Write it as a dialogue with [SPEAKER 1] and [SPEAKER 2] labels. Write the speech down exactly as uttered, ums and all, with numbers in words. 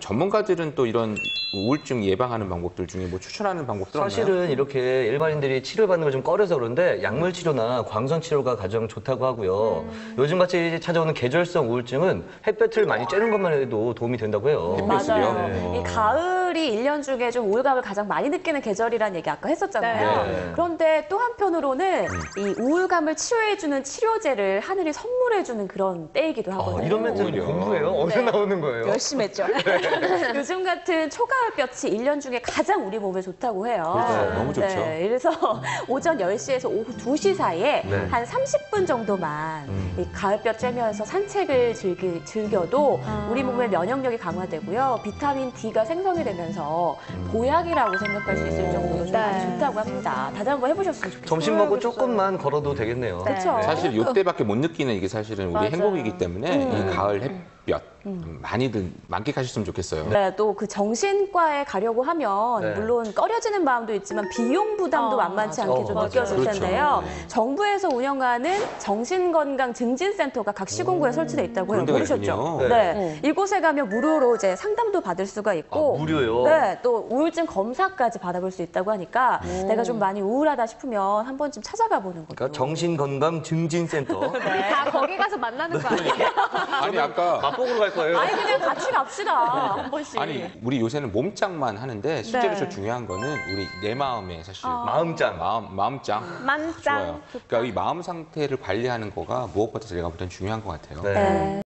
[SPEAKER 1] 전문가들은 또 이런 우울증 예방하는 방법들 중에 뭐 추천하는 방법들 없나요?
[SPEAKER 2] 사실은 이렇게 일반인들이 치료받는 걸 좀 꺼려서 그런데 약물 치료나 광선 치료가 가장 좋다고 하고요. 음. 요즘같이 찾아오는 계절성 우울증은 햇볕을 많이 쬐는 것만 해도 도움이 된다고 해요.
[SPEAKER 1] 햇볕을요?
[SPEAKER 3] 맞아요.
[SPEAKER 1] 네.
[SPEAKER 3] 이 가을이 일 년 중에 좀 우울감을 가장 많이 느끼는 계절이라는 얘기 아까 했었잖아요.
[SPEAKER 2] 네.
[SPEAKER 3] 그런데 또 한편으로는
[SPEAKER 1] 음.
[SPEAKER 3] 이 우울감을 치료해주는 치료제를 하늘이 선물해주는 그런 때이기도 하거든요.
[SPEAKER 2] 아, 이런 멘트는
[SPEAKER 1] 오히려.
[SPEAKER 2] 공부예요? 어디서
[SPEAKER 3] 네.
[SPEAKER 2] 나오는 거예요?
[SPEAKER 3] 열심히 했죠. 요즘 같은 초가을볕이 일 년 중에 가장 우리 몸에 좋다고 해요.
[SPEAKER 1] 그렇죠. 너무 좋죠.
[SPEAKER 3] 네, 그래서 오전 열 시에서 오후 두 시 사이에
[SPEAKER 2] 네.
[SPEAKER 3] 한 삼십 분 정도만
[SPEAKER 1] 음.
[SPEAKER 3] 이 가을볕 쬐면서 산책을 즐기, 즐겨도
[SPEAKER 4] 아.
[SPEAKER 3] 우리 몸의 면역력이 강화되고요. 비타민 D가 생성이 되면서 보약이라고 생각할 수 있을 정도로 좀 많이
[SPEAKER 4] 네.
[SPEAKER 3] 좋다고 합니다. 다들 한번 해보셨으면 좋겠어요.
[SPEAKER 2] 점심 먹고 조금만 걸어도 되겠네요.
[SPEAKER 3] 그렇죠.
[SPEAKER 1] 사실 이때밖에 못 느끼는 이게 사실은 우리
[SPEAKER 3] 맞아요.
[SPEAKER 1] 행복이기 때문에
[SPEAKER 3] 음.
[SPEAKER 1] 이 가을 햇볕 많이들 만끽하셨으면 좋겠어요.
[SPEAKER 3] 네, 또 그 정신과에 가려고 하면
[SPEAKER 2] 네.
[SPEAKER 3] 물론 꺼려지는 마음도 있지만 비용 부담도
[SPEAKER 4] 어,
[SPEAKER 3] 만만치
[SPEAKER 4] 맞아.
[SPEAKER 3] 않게 좀
[SPEAKER 2] 어,
[SPEAKER 3] 느껴질
[SPEAKER 1] 맞아요.
[SPEAKER 3] 텐데요.
[SPEAKER 1] 그렇죠. 네.
[SPEAKER 3] 정부에서 운영하는 정신건강증진센터가 각 시군구에 설치돼 있다고 해요.
[SPEAKER 1] 그런 데가
[SPEAKER 3] 모르셨죠?
[SPEAKER 1] 있군요.
[SPEAKER 3] 네.
[SPEAKER 4] 네.
[SPEAKER 3] 이곳에 가면 무료로 이제 상담도 받을 수가 있고
[SPEAKER 2] 아, 무료요?
[SPEAKER 3] 네, 또 우울증 검사까지 받아볼 수 있다고 하니까 내가 좀 많이 우울하다 싶으면 한 번쯤 찾아가 보는 거죠.
[SPEAKER 2] 그러니까 정신건강증진센터.
[SPEAKER 4] 다 거기 가서 만나는 거 아니에요?
[SPEAKER 1] 아니 아까
[SPEAKER 2] 맛보기로 갈 거예요.
[SPEAKER 3] 아니 그냥 같이 갑시다 한 번씩.
[SPEAKER 1] 아니 우리 요새는 몸짱만 하는데 실제로
[SPEAKER 3] 네.
[SPEAKER 1] 제일 중요한 거는 우리 내 마음에 사실
[SPEAKER 2] 마음짱.
[SPEAKER 1] 마음 마음짱
[SPEAKER 4] 만짱.
[SPEAKER 1] 좋아요. 그러니까 이 마음 상태를 관리하는 거가 무엇보다 제가 볼 땐 중요한 것 같아요.
[SPEAKER 2] 네.
[SPEAKER 3] 네.